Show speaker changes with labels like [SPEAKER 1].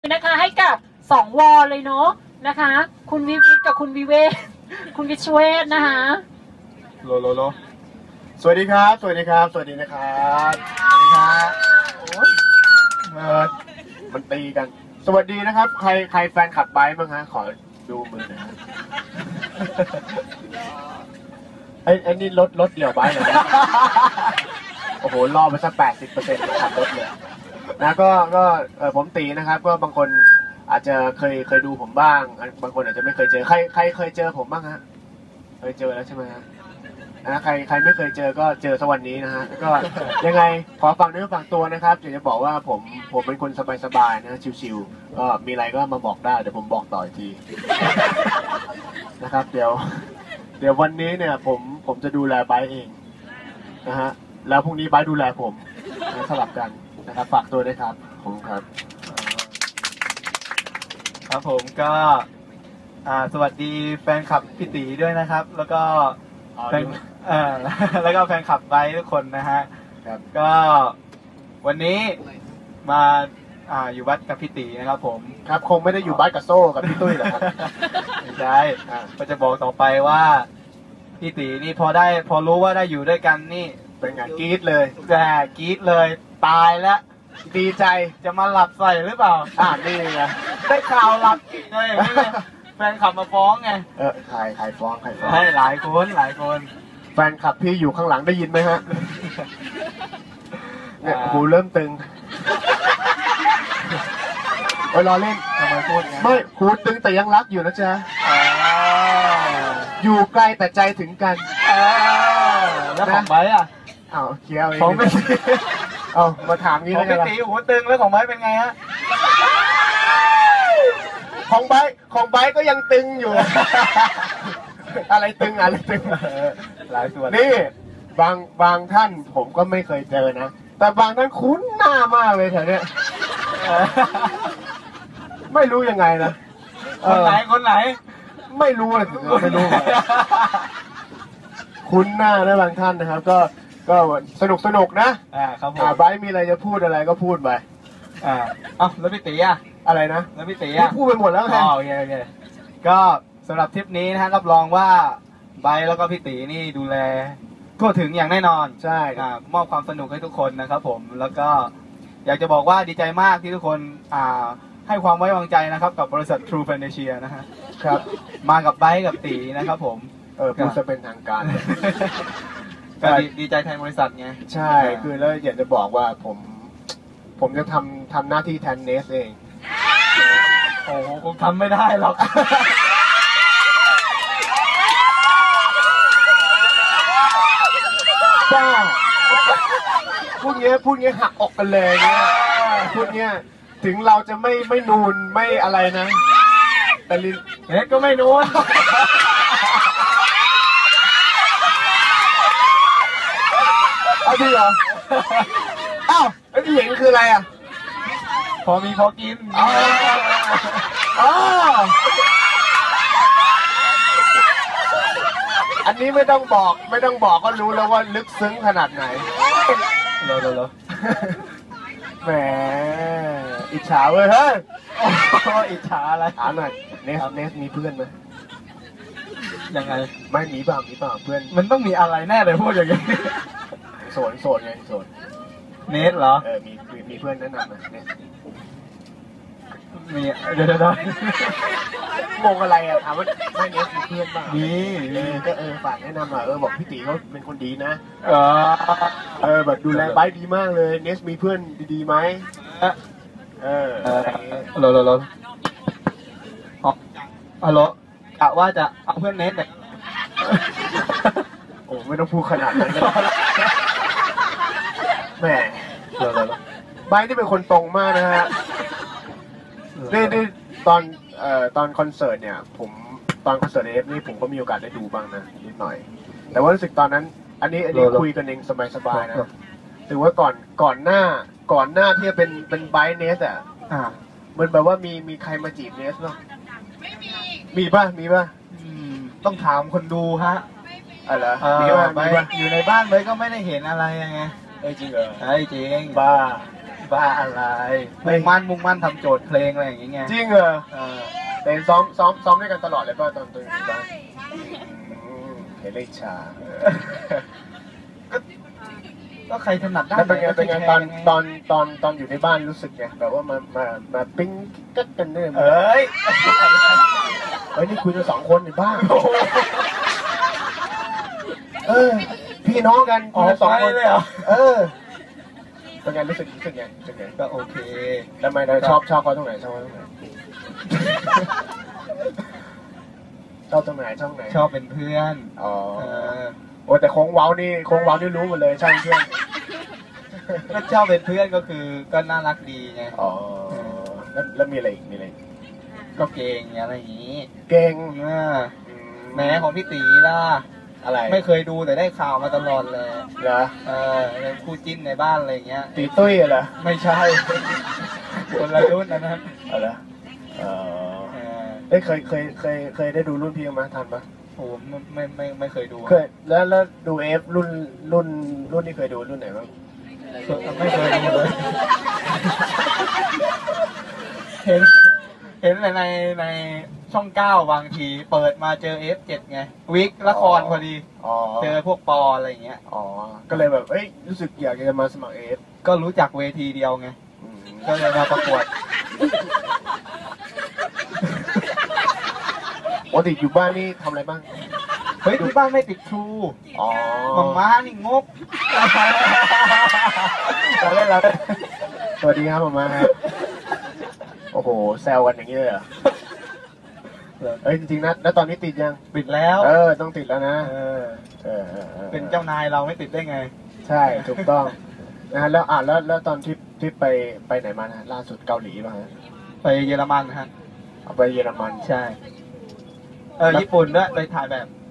[SPEAKER 1] นะคะให้กับ2 วอเลยเนาะนะคะคุณวิวิทกับคุณวิเวกคุณวิชเวศนะคะ
[SPEAKER 2] โลสวัสดีครับ สวัสดีครับ สวัสดีนะครับสวัสดีครับโอ้ยมันตีกัน สวัสดีนะครับ ใครแฟนขับไบค์บ้างฮะขอดูมือหน่อยฮะไอ้นี่รถเดี่ยวไบค์เหรอโอ้โหรอไปสัก80%ขับรถเลยนะก็ผมตีนะครับก็บางคนอาจจะเคยดูผมบ้างบางคนอาจจะไม่เคยเจอใครเคยเจอผมบ้างฮะเคยเจอแล้วใช่ไหมฮะนะใครไม่เคยเจอก็เจอสักวันนี้นะฮะก็ยังไงขอฟังเนื้อฟังตัวนะครับอยากจะบอกว่าผมเป็นคนสบายๆนะชิวๆก็มีอะไรก็มาบอกได้เดี๋ยวผมบอกต่ออีกทีนะครับเดี๋ยววันนี้เนี่ยผมจะดูแลไบค์เองนะฮะแล้วพรุ่งนี้ไบค์ดูแลผมสลับกันนะครับฝากตัวด้วยครับขอบคุณครับ
[SPEAKER 3] ครับผมก็สวัสดีแฟนคลับพี่ตีด้วยนะครับ แล้วก็แล้วก็แฟนคลับไบค์ทุกคนนะฮะก็วันนี้มาอยู่วัดกับพี่ตีนะครับผม
[SPEAKER 2] ครับคงไม่ได้อยู่บ้านกับโซ่กับพี่ตุ้ยหรอกครับ
[SPEAKER 3] ไม่ใช่ก็จะบอกต่อไปว่าพี่ตีนี่พอรู้ว่าได้อยู่ด้วยกันนี่
[SPEAKER 2] เป็นไงกรี๊ดเลย
[SPEAKER 3] กรี๊ดเลยตายแล้ว
[SPEAKER 2] ดีใจ
[SPEAKER 3] จะมาหลับใส่หรือเปล่า
[SPEAKER 2] นี่ไง
[SPEAKER 3] ได้ข่าวหลับเลยแฟนขับมาฟ้องไง
[SPEAKER 2] ใครฟ้อง
[SPEAKER 3] ให้หลายคน
[SPEAKER 2] แฟนขับพี่อยู่ข้างหลังได้ยินไหมฮะเนี่ยหูเริ่มตึงรอเล่น
[SPEAKER 3] ทำไมพูดไง
[SPEAKER 2] ไม่หูตึงแต่ยังรักอยู่นะจ๊ะอยู่ไกลแต่ใจถึงกัน
[SPEAKER 3] แล้วของไบค์
[SPEAKER 2] เคี้ยว
[SPEAKER 3] ของไม่
[SPEAKER 2] มาถามงี้
[SPEAKER 3] แล้วกันของพี่ตีหูตึงแล้วของไบค์เป็นไงฮะ
[SPEAKER 2] ของไบค์ก็ยังตึงอยู่ อะไรตึง
[SPEAKER 3] หลายส่วน
[SPEAKER 2] นี่บางท่านผมก็ไม่เคยเจอนะแต่บางท่านคุ้นหน้ามากเลยแถวเนี้ยไม่รู้ยังไงนะ
[SPEAKER 3] คนไหน
[SPEAKER 2] ไม่รู้เลยไม่รู้คุ้นหน้านะบางท่านนะครับก็สนุกนะครับผมไบค์มีอะไรจะพูดอะไรก็พูดไป
[SPEAKER 3] แล้วพี่ตี
[SPEAKER 2] อะไรนะ
[SPEAKER 3] แล้วพี่ตี
[SPEAKER 2] พูดไปหมดแล้วไง
[SPEAKER 3] โอเคก็สำหรับทริปนี้นะฮะรับรองว่าไบค์แล้วก็พี่ตีนี่ดูแลทั่วถึงอย่างแน่นอน
[SPEAKER 2] ใช่
[SPEAKER 3] มอบความสนุกให้ทุกคนนะครับผมแล้วก็อยากจะบอกว่าดีใจมากที่ทุกคนให้ความไว้วางใจนะครับกับบริษัท True Financial นะฮะ
[SPEAKER 2] ครับ
[SPEAKER 3] มากับไบค์กับตีนะครับผม
[SPEAKER 2] พูดจะเป็นทางการ
[SPEAKER 3] ก็ดีใจแทนบริษัทไง
[SPEAKER 2] ใช่คือแล้วอยากจะบอกว่าผมจะทำหน้าที่แทนเนสเอง
[SPEAKER 3] โอ้โหคงทำไม่ได้หรอก
[SPEAKER 2] บ้าพูดเงี้ยหักออกกันเลยเนี่ยพูดเงี้ยถึงเราจะไม่นูนไม่อะไรนะแต่ลิน
[SPEAKER 3] ก็ไม่นูน
[SPEAKER 2] เอาดิเหรอไอ้ที่เห็นคืออะไร
[SPEAKER 3] พอมีพอกิน
[SPEAKER 2] อันนี้ไม่ต้องบอกก็รู้แล้วว่าลึกซึ้งขนาดไหนแหมอิจฉาเว้ยเฮ้ย
[SPEAKER 3] อิจฉาอะไร
[SPEAKER 2] ถามหน่อยเนสมีเพื่อนไหม
[SPEAKER 3] ยังไง
[SPEAKER 2] ไม่มีเปล่าเพื่อน
[SPEAKER 3] มันต้องมีอะไรแน่เลยพูดอย่างนี้
[SPEAKER 2] โสดไงโสด
[SPEAKER 3] เนสเหรอ
[SPEAKER 2] มีเพื่อนแนะนำไหมเนส
[SPEAKER 3] มีเดี๋ยว
[SPEAKER 2] งงอะไรถามว่าไม่เนสมีเพื่อนบ้าง
[SPEAKER 3] มี
[SPEAKER 2] ก็ฝากแนะนำหน่อยบอกพี่ตีเขาเป็นคนดีนะแบบดูแลไบค์ดีมากเลยเนสมีเพื่อนดีๆไหม
[SPEAKER 3] ฮัลโหลกะว่าจะเอาเพื่อนเนสเนี่ย
[SPEAKER 2] โอ้ไม่ต้องพูดขนาดนั้นแหมไบค์ที่เป็นคนตรงมากนะฮะได้ตอนคอนเสิร์ตเนี่ยตอนคอนเสิร์ตเอฟนี่ผมก็มีโอกาสได้ดูบ้างนะนิดหน่อยแต่ว่ารู้สึกตอนนั้นอันนี้คุยกันเองสบายๆนะถือว่าก่อนหน้าที่จะเป็นไบค์เนสมันแบบว่ามีใครมาจีบเนสเนาะมีป่ะ
[SPEAKER 3] ต้องถามคนดูฮะ
[SPEAKER 2] อะไร
[SPEAKER 3] มีป่ะอยู่ในบ้านเลยก็ไม่ได้เห็นอะไรไง
[SPEAKER 2] จริงเหรอ
[SPEAKER 3] จริง
[SPEAKER 2] บ้า
[SPEAKER 3] บ้าอะไรมุ่งมั่นทำโจทย์เพลงอะไรอย่างเงี้ย
[SPEAKER 2] จริงเหรอ
[SPEAKER 3] เออ
[SPEAKER 2] แต่ซ้อมด้วยกันตลอดเลยป่ะตอนตัวอยู่บ้านเห็นเลยชา
[SPEAKER 3] ก็ใครถนัดด้า
[SPEAKER 2] แล้ว
[SPEAKER 3] น
[SPEAKER 2] เป็นไง
[SPEAKER 3] ก็
[SPEAKER 2] ตอน
[SPEAKER 3] แชร์ไง
[SPEAKER 2] ตอนอยู่ในบ้านรู้สึกไงแบบว่ามาปิ้งกัดกันเนี่ย
[SPEAKER 3] เอ้ย
[SPEAKER 2] เฮ้ยนี่คุยกัน2 คนในบ้านพี่น้องกัน
[SPEAKER 3] ออก
[SPEAKER 2] คุยกัน2
[SPEAKER 3] ไป
[SPEAKER 2] คน
[SPEAKER 3] เลยเหรอ
[SPEAKER 2] เป็นไงรู้สึกไง
[SPEAKER 3] ก็โอเค
[SPEAKER 2] ทำไมเราชอบเขาตรงไหนชอบตรงไหนชอบตรงไหนช่องไหน
[SPEAKER 3] ชอบเป็นเพื่อน
[SPEAKER 2] อ๋อ
[SPEAKER 3] เออ
[SPEAKER 2] โอ้แต่โค้งเว้านี่รู้หมดเลยใช่เพื่อน
[SPEAKER 3] ก็ชอบเป็นเพื่อนก็คือก็น่ารักดีไง
[SPEAKER 2] อ๋อแล้วมีอะไรอีก
[SPEAKER 3] ก็เก่งอะไรอย่างนี้
[SPEAKER 2] เก่ง
[SPEAKER 3] แหม้ของพี่ตีล่ะ
[SPEAKER 2] อะไร
[SPEAKER 3] ไม่เคยดูแต่ได้ข่าวมาตลอดเลย
[SPEAKER 2] เหรอ
[SPEAKER 3] เป็นคู่จิ้นในบ้านอะไรอย่างเงี้ย
[SPEAKER 2] ตีตุ้ยเหรอ
[SPEAKER 3] ไม่ใช่ คนละรุ่นนะ
[SPEAKER 2] เอาเหรอเออ
[SPEAKER 3] เออ
[SPEAKER 2] เคยได้ดูรุ่นพี่มาทันปะ
[SPEAKER 3] ผมไม่เคยดู
[SPEAKER 2] เคยแล้วดูเอฟรุ่นที่เคยดูรุ่นไหนบ้าง
[SPEAKER 3] ไม่เคยดูเลย เห็นในช่อง9บางทีเปิดมาเจอ F7 ไงวิกละครพอดี
[SPEAKER 2] อ๋อ
[SPEAKER 3] เจอพวกปออะไรอย่างเงี้ย
[SPEAKER 2] อ๋อก็เลยแบบรู้สึกอยากจะมาสมัครเอฟ
[SPEAKER 3] ก็รู้จักเวทีเดียวไง ก็เลยมาประกวด
[SPEAKER 2] ปกติอยู่บ้านนี่ทำอะไรบ้าง
[SPEAKER 3] เฮ้ยที่บ้านไม่ติดครู
[SPEAKER 2] อ๋อ
[SPEAKER 3] ม่านี่งก
[SPEAKER 2] เราเล่นเราสวัสดีครับหมาครับโอ้โหแซวกันอย่างนี้เลยเหรอจริงๆนะแล้วตอนนี้ติดยัง
[SPEAKER 3] ปิดแล้ว
[SPEAKER 2] ต้องติดแล้วนะ
[SPEAKER 3] เป็นเจ้านายเราไม่ติดได้ไง
[SPEAKER 2] ใช่ถูกต้องนะแล้วตอนที่ไปไหนมานะล่าสุดเกาหลีป่ะฮะ
[SPEAKER 3] ไปเยอรมันฮะ
[SPEAKER 2] เอาไปเยอรมัน
[SPEAKER 3] ใช่ ญี่ปุ่นด้วยไปถ่ายแบบ